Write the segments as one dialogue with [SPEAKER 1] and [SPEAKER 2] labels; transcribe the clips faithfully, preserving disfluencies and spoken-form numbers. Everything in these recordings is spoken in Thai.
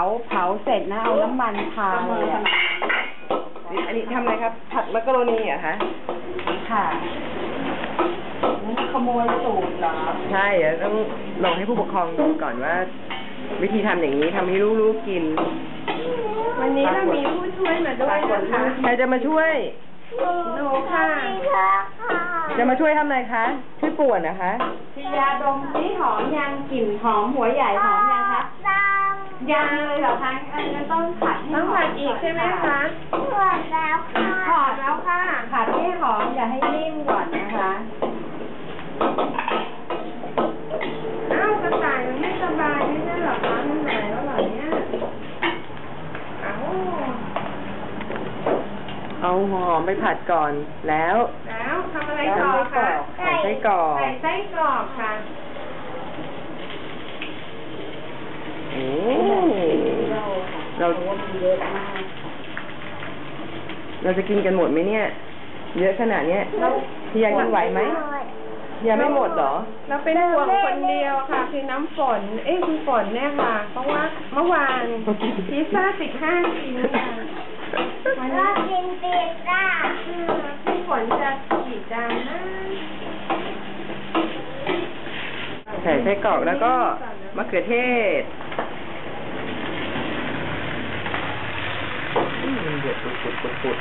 [SPEAKER 1] เผาเสร็จนะเอาน้ำมันทาเลยอ่ะ
[SPEAKER 2] อันนี้ทำอะไรครับผัดมักกะโรนีเหรอคะ
[SPEAKER 1] ค่ะนี่ขโมยสูตรเหรอ
[SPEAKER 2] ใช่เดี๋ยวต้องลองให้ผู้ปกครองดูก่อนว่า วิธีทำอย่างนี้ทำให้ลูกๆกิน
[SPEAKER 3] วันนี้เรามีผู้ช่วยมาด้วยนะคะ
[SPEAKER 2] ใครจะมาช่วย
[SPEAKER 3] หนูค่ะ
[SPEAKER 2] จะมาช่วยทำอะไรคะช่วยป่วนนะคะ
[SPEAKER 1] พี่ยาดมที่หอมยังกลิ่นหอมหัวใหญ่หอมยังคะยังเลยเหรอคะอันนี้ต้องผัด
[SPEAKER 3] ต้องผัดอีกใช่ไหมคะ
[SPEAKER 1] ผัดแล้วค่ะผัดแล้วค่ะผัดให้หอมอย่าให้นิ่มก่อนนะคะ
[SPEAKER 3] อ้าวกระต่ายมันไม่สบายไม่ใช่หรอคะมันหายแล้วเหรอเนี่ยอ้าว
[SPEAKER 2] เอาหอมไปผัดก่อนแล้ว
[SPEAKER 3] แล้วทำอะไรต่อคะ
[SPEAKER 2] ใส่ไส้กรอก
[SPEAKER 3] ใส่ไส้กรอกค่ะ
[SPEAKER 2] โอ้เราเราจะกินกันหมดไหมเนี่ยเยอะขนาดเนี้ยพี่ยากินไหวไหมพี่ยาไม่หมดเหรอ
[SPEAKER 3] เราเป็นห่วงคนเดียวค่ะคือน้ำฝนเอ้ยคือฝนเนี่ยค่ะเพราะว่าเมื่อวานพิซซ่าสิบห้าชิ้นค่ะ
[SPEAKER 1] วันนี้กินพิซซ่า
[SPEAKER 3] พี่ฝนจะกี่จานนะ
[SPEAKER 2] ใส่ไส้กรอกแล้วก็มะเขือเทศมันเดือดปุดปุดปุดปุด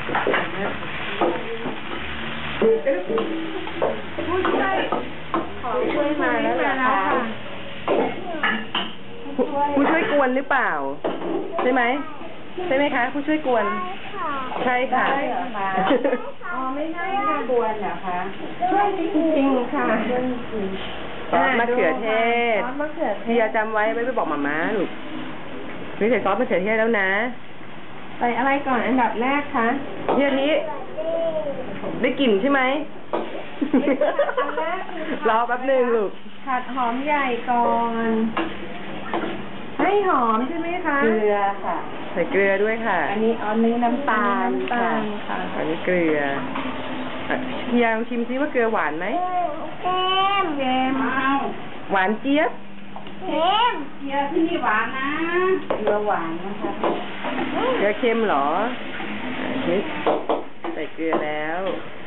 [SPEAKER 3] ผู้ช่วยขอช่วยมาแล้วนะคะ
[SPEAKER 2] ผู้ช่วยกวนหรือเปล่าใช่ไหมใช่ไหมคะผู้ช่วยกวนใช่ค่ะ
[SPEAKER 3] อ๋อไม่ใช่ค่ะ
[SPEAKER 1] กวนเหรอคะ
[SPEAKER 3] ช่วยจริงๆค่ะ
[SPEAKER 2] ซอสมะเขือเทศ
[SPEAKER 3] ซอสมะเขือเทศ
[SPEAKER 2] พี่ยาจำไว้ไม่ไปบอกหม่าม้าลูกนี่ใส่ซอสมะเขือเทศแล้วนะ
[SPEAKER 3] ใส่อะไรก่อนอันดับแรกคะ
[SPEAKER 2] พี่อาทิได้กลิ่นใช่ไหมรอแป๊บหนึ่งลูก
[SPEAKER 3] ผัดหอมใหญ่ก่อนให้หอมใช่ไหมคะ
[SPEAKER 1] เกลือค่ะ
[SPEAKER 2] ใส่เกลือด้วยค่ะ
[SPEAKER 1] อันนี้อันนี้น้ำตาล
[SPEAKER 3] น้ำตาลค่ะ
[SPEAKER 2] อันนี้เกลือพี่ยาลองชิมซิว่าเกลือหวานไหม
[SPEAKER 1] เค็มเค็ม
[SPEAKER 2] หวานเจี๊ยบ
[SPEAKER 1] เค็มเกลือที่นี่หวานนะเกลือหวานนะคะ
[SPEAKER 2] เกลือเค็มเหรอนี่ใส่เกลือแล้ว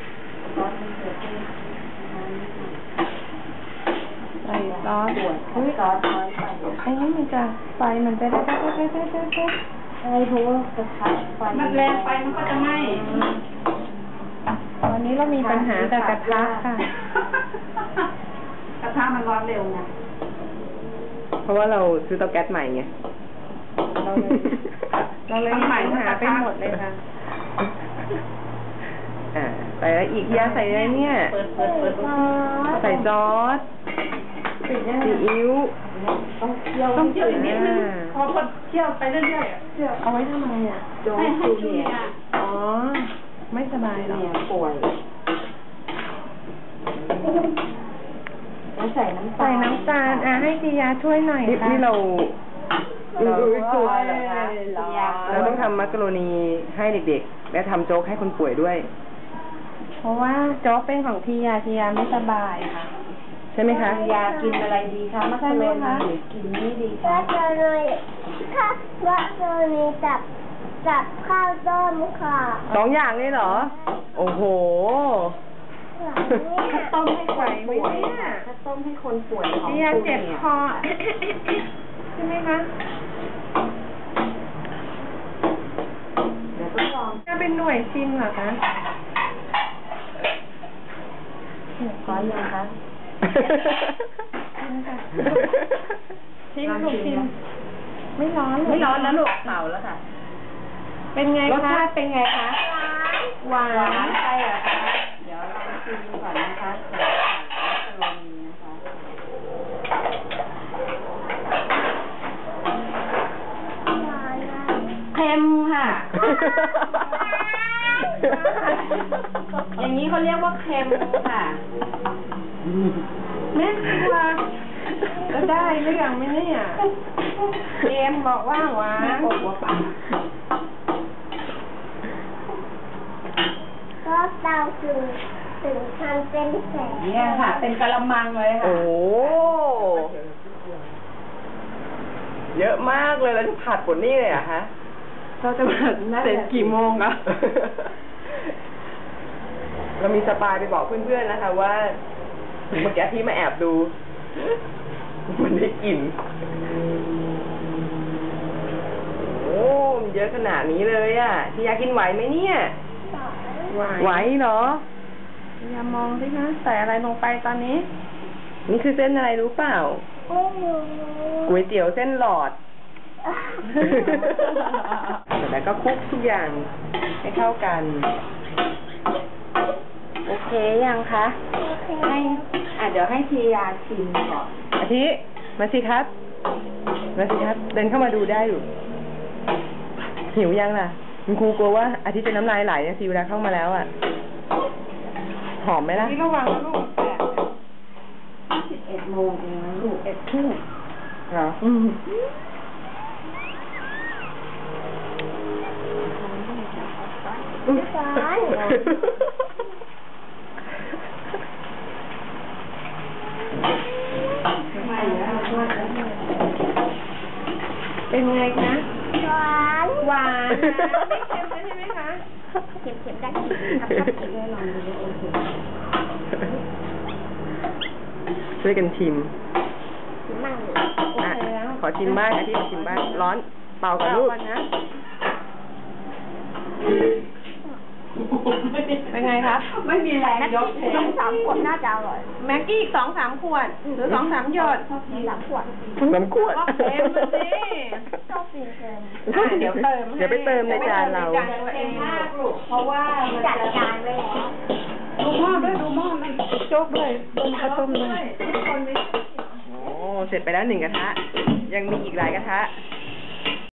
[SPEAKER 3] ใส่ซอสอุ้ยซอสไอ้นี่มันจะไฟมันจะได้ได้ได้ได้ได้ได้
[SPEAKER 1] ใช่เพราะว่ากระทะไฟ
[SPEAKER 3] มันแรงไปมันก็จะไหม้วันนี้เรามีปัญหาแต่กระทะค่ะ
[SPEAKER 1] กระทะมันร้อนเร็วนะ
[SPEAKER 2] เพราะว่าเราซื้อเตาแก๊สใหม่ไง
[SPEAKER 3] เราเลยเราเลยมีปัญหาไปหมดเลยค่ะ
[SPEAKER 2] อ่าใส่แล้วอีกยาใส่อะไรเนี่ยใส่ซอสซีอิ๊ว
[SPEAKER 1] ต้องเคี่ยว
[SPEAKER 3] ต้องเคี่ยวนิดนึงพอคนเคี่ยวไปเรื่อยๆ
[SPEAKER 1] เคี่ยวเอาไว้ทำไมอ่ะโจ๊กจูเนีย
[SPEAKER 3] อ๋อไม่สบายหรอ
[SPEAKER 1] ป่วยใส่น้ำตาล
[SPEAKER 3] ใส่น้ำตาลอ่ะให้จียาช่วยหน่อยค่ะ
[SPEAKER 2] นี่เรา
[SPEAKER 1] เรากลัวเหรอคะ
[SPEAKER 2] เราต้องทำมักกะโรนีให้เด็กๆและทำโจ๊กให้คนป่วยด้วย
[SPEAKER 3] เพราะว่าโจ๊กเป็นของทียาทียาไม่สบายค่ะ
[SPEAKER 2] ใช่ไหมคะ
[SPEAKER 1] ยากินอะไรดีคะมักกะโรนีหรือกินนี่ดีคะมักกะโรนีค่ะมักกะโรนีจับจับข้าวต้มค่ะ
[SPEAKER 2] สองอย่างเลยเหรอโอ้โห
[SPEAKER 1] ถ้าต้มให้คนป่วยถ้าต้มให้คนป่วยของ
[SPEAKER 3] ทียาเจ็บคอใช่ไหมคะ
[SPEAKER 1] เดี๋ยวต้องลอง
[SPEAKER 3] จะเป็นหน่วยชิมเหรอคะ
[SPEAKER 1] ร้อนยังคะ
[SPEAKER 3] ชิมลูกชิมไม่ร้อน
[SPEAKER 1] ไม่ร้อนแล้วลูกเป่าแล้วค่ะ
[SPEAKER 3] เป็นไงคะ
[SPEAKER 1] รสชาติเป็นไงคะหวานหวานใช่เหรอคะเดี๋ยวลองชิมดูก่อนนะคะใส่มักกะโรนีนะคะเค็มค่ะอย่างนี้เขาเรียกว่าเค็มค่ะ
[SPEAKER 3] แม่ครัวก็ได้หรือยังไม่เนี่ยเอ็มบอกว่าหวาน
[SPEAKER 1] ก็เตาถึงถึงทำเป็นแสงเนี่ยค่ะเป็นกะละมังเลยค่ะ
[SPEAKER 2] โอ้เยอะมากเลยแล้วจะผัดผลนี่เลยเหรอะคะ
[SPEAKER 3] เราจะผัดเสร็จกี่โมงอะ
[SPEAKER 2] เรามีสปายไปบอกเพื่อนๆนะคะว่าเมื่อกี้ที่มาแอบดู มันได้กลิ่นโอ้มันเยอะขนาดนี้เลยอ่ะที่ยากินไหวไหมเนี่ย ไหวเหรอ
[SPEAKER 3] อย่ามองสิคะใส่อะไรลงไปตอนนี้
[SPEAKER 2] นี่คือเส้นอะไรรู้เปล่า
[SPEAKER 1] ไม่รู้
[SPEAKER 2] ก๋วยเตี๋ยวเส้นหลอด แล้วก็คลุกทุกอย่างให้เข้ากัน
[SPEAKER 3] โอเคยังคะ ให้อ่ะเดี๋ยวให้ทียาชิมก่อน
[SPEAKER 2] อาทิมาสิครับ มาสิครับ เดินเข้ามาดูได้อยู่ หิวยังล่ะคุณครูกลัวว่าอาทิตย์จะน้ำลายไหลนะสิเวลาเข้ามาแล้วอ่ะ หอมไหมล่ะ
[SPEAKER 3] นี่ระวังนะลูกแปดสิบเอ็ดโมงเองนะลูกเอ็ดครึ่ง
[SPEAKER 2] เหรออืม
[SPEAKER 1] สาร
[SPEAKER 3] เป็นไงคะ
[SPEAKER 1] หวาน
[SPEAKER 3] หวานนะไม่เค็มเลยใช่ไหมคะ
[SPEAKER 1] เข็มๆได้กินครับครับกินได้ลองดูโอเค
[SPEAKER 2] ช่วยกันชิม
[SPEAKER 1] กินมั่งเลย
[SPEAKER 3] โอเคแล้ว
[SPEAKER 2] ขอชิมบ้างอาทิตย์ขอชิมบ้าง ร้อน เป่ากับ
[SPEAKER 3] เอา
[SPEAKER 2] ลูก
[SPEAKER 3] ก่อนนะ เป็นไงครับ ไม่มีแรง
[SPEAKER 1] แม็ก
[SPEAKER 3] ยก
[SPEAKER 1] กี้สองสามขวดน่าจะอร่อย
[SPEAKER 3] แม็กกี้อีกสองสามขวด หรือสองสามหยด
[SPEAKER 1] สองสามขวด
[SPEAKER 2] น้ำขวด
[SPEAKER 3] ก็เค็มมาสิ
[SPEAKER 1] ชอบกินเค็ม
[SPEAKER 3] อ่ะเดี๋ยวเติมให้
[SPEAKER 2] เดี๋ยวไปเติมในจานเรา
[SPEAKER 3] เติมในจานตัวเองมากลูกเพราะว่ามัน
[SPEAKER 1] จัด
[SPEAKER 3] จะ
[SPEAKER 1] จานไว้แล้ว
[SPEAKER 3] ดูหม้อด้วยดูหม้อมันโจ๊กด้วยดูข้าวต้มด้วยทุกคนมี
[SPEAKER 2] โอ้ เสร็จไปแล้วหนึ่งกระทะ ยังมีอีกหลายกระทะ